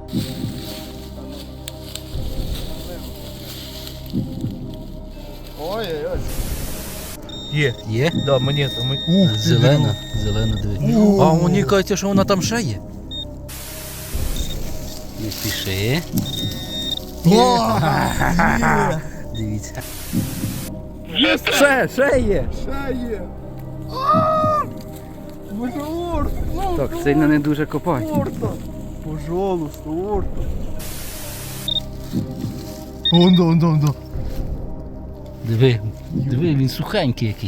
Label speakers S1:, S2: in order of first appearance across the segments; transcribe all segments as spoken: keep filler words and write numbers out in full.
S1: Ой-ой-ой. Є.
S2: Є?
S1: Да, монета. Ми... Ух,
S2: Зелена, зелена, диви. А мені кажеться, що вона там ще є. Не спіши. Дивіться. Ще, ще є.
S1: Ще є. Боже, орт. Ну,
S2: Так, сильно не дуже копай.
S1: орта. Пожалуйста, орта. Он да, он да, он да.
S2: Диви, диви, він сухенький якийсь.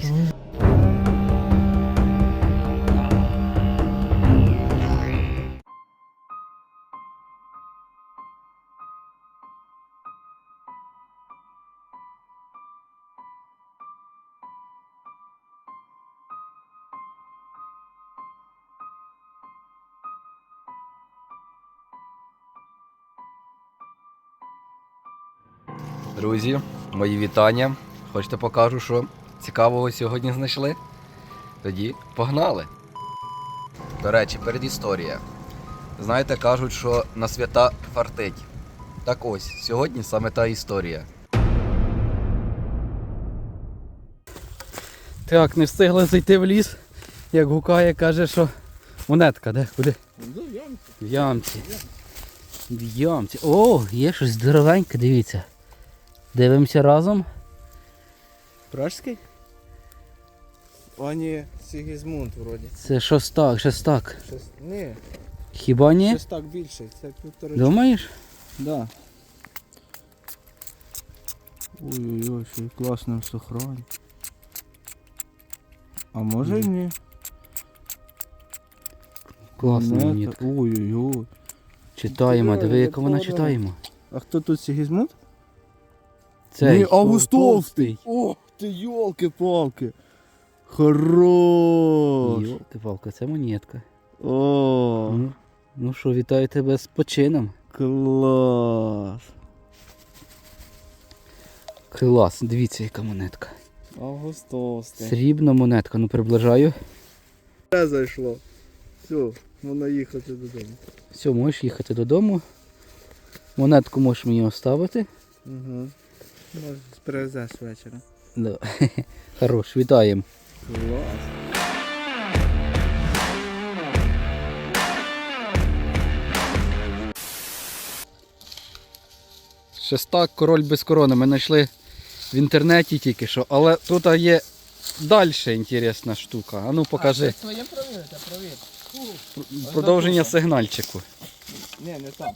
S2: Друзі, мої вітання. Хочете покажу, що цікавого сьогодні знайшли? Тоді погнали! До речі, передісторія. Знаєте, кажуть, що на свята фартить. Так ось, сьогодні саме та історія. Так, не встигли зайти в ліс, як гукає, каже, що монетка, де? Куди? В ямці. В ямці. О, є щось здоровеньке, дивіться. Дивимося разом.
S1: Пражський? А ні, Сігізмунд вроді.
S2: Це шостак, шестак.
S1: Щось... Ні,
S2: Хіба ні?
S1: щось так більше. Це півтори.
S2: Думаєш?
S1: Да. Ой-ой-ой, ще й класно в сохрані. А може і ні?
S2: Класна
S1: Монета.
S2: монетка.
S1: Ой-ой-ой.
S2: Читаємо, диви, яка вона
S1: Здорово.
S2: читаємо.
S1: А хто тут Сігізмунд?
S2: Цей.
S1: Ні, Августовський. Ох ти, йолки-палки. Хорош.
S2: Йолки-палки, це монетка.
S1: О,
S2: Ну, ну що, вітаю тебе з почином.
S1: клас.
S2: Клас, дивіться, яка монетка.
S1: Августовський.
S2: Срібна монетка, ну приближаю.
S1: Все зайшло. Все, можна їхати додому.
S2: Все, можеш їхати додому. Монетку можеш мені оставити.
S1: Угу. Може, привезеш вечором.
S2: Да. Хорош, вітаємо.
S1: Клас.
S2: Шестак, король без корони. Ми знайшли в інтернеті тільки що, але тут є далі інтересна штука. А ну покажи.
S1: А, це своє провірте, провір.
S2: Продовження сигнальчику.
S1: Ні, не там.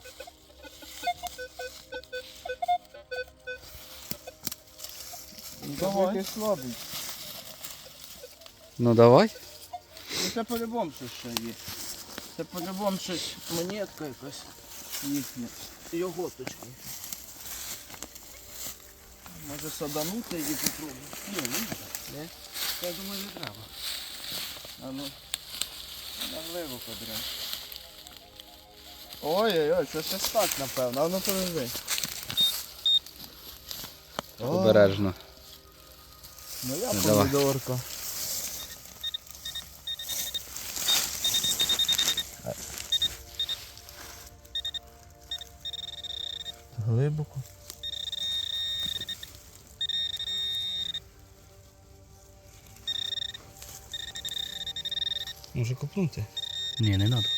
S1: Давай. Слабий.
S2: Ну давай.
S1: Ну це по-любому щось ще є. Це по-любому щось монетка якась їхня. Його точки. Може саданути її попробувати? Ні, ні. Не? Я думаю, не треба. А ну. Навливо подряд. Ой-ой-ой, це щось так, напевно. А ну подожди.
S2: Обережно.
S1: Ну я
S2: Ну, давай.
S1: помідорка. Глибоко. Може копнути?
S2: Ні, не треба.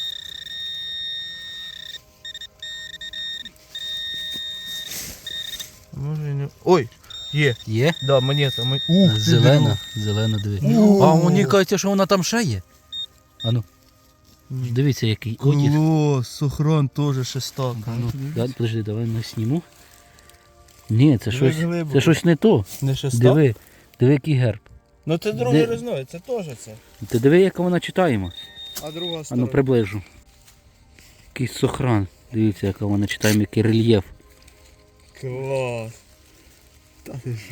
S1: Може і не... Ой! Є!
S2: Є?
S1: Да, монета. Ми... Ух, ти,
S2: Зелена, зелена, диви.
S1: О!
S2: А мені кажеться, що вона там ще є. А ну,
S1: Ні.
S2: дивіться, який одяг.
S1: Клас, сохран теж шестак.
S2: Ну, дай, подожди, давай не сніму. Ні, це
S1: Диви
S2: щось,
S1: глибоко.
S2: це щось не то.
S1: Не шестак?
S2: Диви, диви, який герб.
S1: Ну це другий
S2: Де-
S1: різновид, це теж це.
S2: Ти диви, яка вона читаємо.
S1: А друга
S2: А
S1: сторона.
S2: ну приближу. Якийсь сохран. Дивіться, яка вона читаємо, який рельєф.
S1: Клас. Та ти що?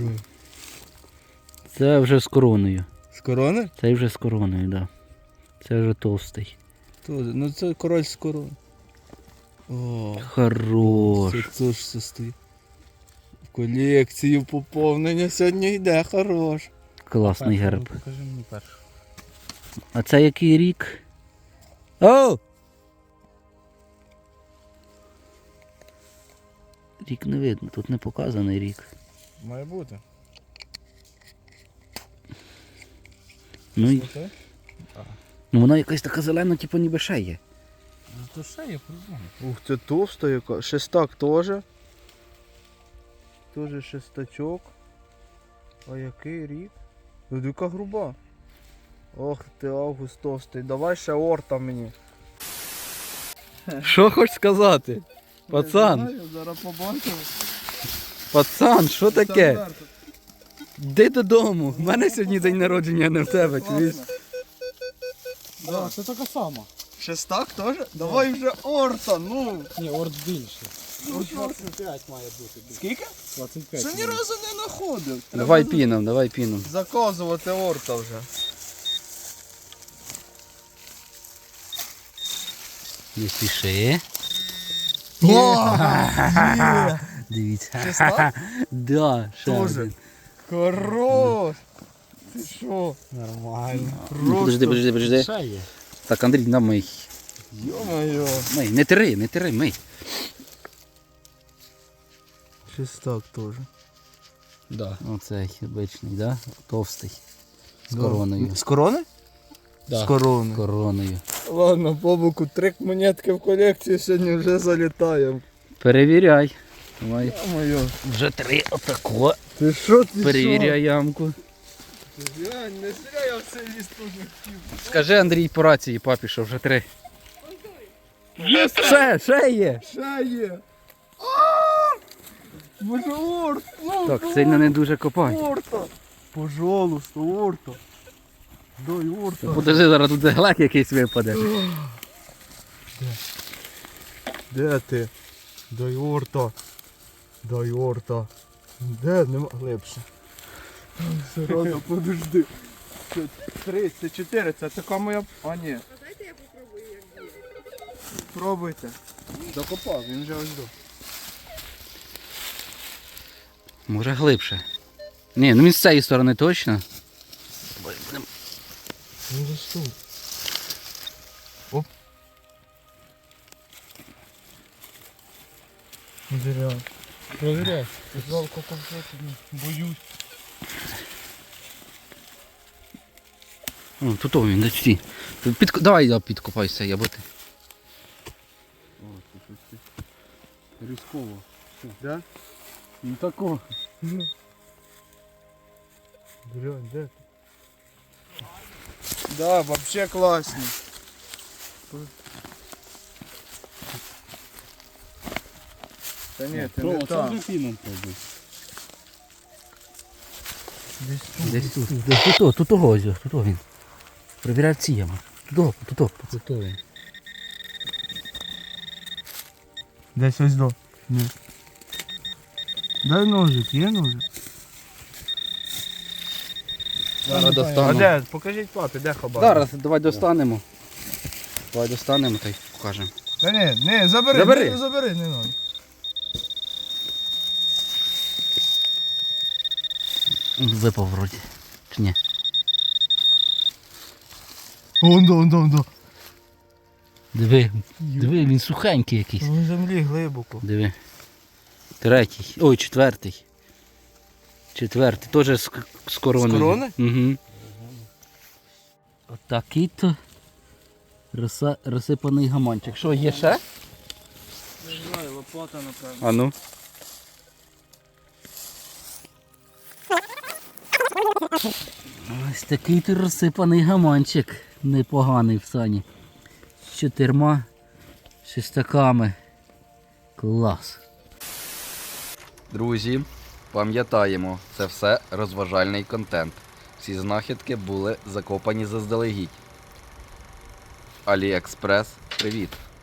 S2: Це вже з короною.
S1: З корони?
S2: Це вже з короною, так. Да. Це вже товстий.
S1: Тут, ну це король з корони. О,
S2: Хорош.
S1: це теж все стоїть. В колекцію поповнення сьогодні йде, хорош.
S2: Класний герб.
S1: Покажи мені першу.
S2: А це який рік? О!
S3: Рік не видно, тут не показаний рік.
S1: Має бути.
S3: Ну, і,
S1: Слухай.
S3: ну вона якась така зелена, типу ніби ще є.
S1: Ну то ще є по-любому. Ух, це товста яка. Шестак теж. Теж шестачок. А який рік? Ну яка груба. Ох ти, август товстий. Давай ще орта мені.
S3: Що хочеш сказати? Пацан,
S1: Не знаю, зараз побачимо.
S3: пацан, що таке?
S1: Стандарт.
S3: Йди додому. У мене сьогодні день народження, а не в тебе, чуєш?
S4: Да, це така сама.
S1: Шестак теж? Давай вже орта, ну.
S4: Ні, орд більше.
S1: Ну, що?
S4: двадцять п'ять має бути.
S1: Скільки?
S4: двадцять п'ять.
S1: Ще ні разу не знаходив. Треба
S3: Давай піном, давай піном.
S1: заказувати орта вже.
S3: Не спіши. Дивіться.
S1: Шестак?
S3: Да, ще
S1: Тоже.
S3: один.
S1: Хорош! Ти що?
S4: Нормально.
S3: Ну, Подожди, подожди, подожди.
S4: Ще є.
S3: Так, Андрій, на мий.
S1: Йо-моє.
S3: Мий, не тири, не тири, мий.
S1: Шестак теж.
S3: Да. Оцей обичний, да? Товстий. З
S1: Да.
S3: короною.
S1: З корони?
S3: Да.
S1: З корони.
S3: З короною.
S1: Ладно, по боку, три монетки в колекцію сьогодні вже залітаємо.
S3: Перевіряй. Давай.
S1: Йо-моє.
S3: Вже три отако.
S1: Ти що, ти
S3: Перевіряй ямку.
S1: що? Глянь, не зря я в цей ліс тут не хотів.
S3: Скажи Андрій по рації папі, що вже три. Є, ще, ще є.
S1: Ще є. А! Боже, орт! Ну,
S3: Так, сильно не дуже копай.
S1: орта! Пожалуйста, орта! Дай орта!
S3: Подожди, зараз тут глек якийсь випаде.
S1: Де ти? Дай орта! Дай орта! Де? Нема глибше. Все рано, подожди. Це три, це чотири, це така моя... А ні.
S5: Дайте я попробую, як буде.
S1: Пробуйте. Закопав, він вже ось до.
S3: Може глибше. Ні, ну він з цієї сторони точно.
S1: Ну за що? Оп. Зря.
S4: Провіряй.
S1: Жалко конфети, боюсь.
S3: О, тут о, він, де всі. Під... Давай я підкопаюся, я бути.
S1: О, це щось різково. Да?
S3: Ну тако.
S1: Дрянь, де ти? Да, вообще класні. Та ні, ти не там.
S4: піном пробуй.
S1: Десь тут.
S3: Десь тут. Десь тут, тут, тут, ось, тут він. Провіряй ці ями. Тут, тут, тут.
S4: Готовий.
S1: Десь ось до. Ні. Дай ножик, є ножик?
S3: Зараз
S1: А
S3: достанемо.
S1: де? Покажіть папі, де хабар?
S3: Зараз давай достанемо. Давай достанемо та й покажемо.
S1: Та ні, ні, забери,
S3: Забери.
S1: Не, забери, не надо.
S3: Випав вроді. Чи ні?
S1: Вон до, вон до, вон до.
S3: Диви, диви, він сухенький якийсь.
S1: В землі глибоко.
S3: Диви. Третій. Ой, четвертий. Четвертий. Теж з, з короною.
S1: З корони?
S3: Угу. Отакий-то розса... розсипаний гаманчик. Що, є ще?
S1: Не знаю, лопата, напевно.
S3: А ну. Ось такий то розсипаний гаманчик. Непоганий в сані. З чотирма шестаками. Клас. Друзі, пам'ятаємо, це все розважальний контент. Всі знахідки були закопані заздалегідь. Аліекспрес, привіт!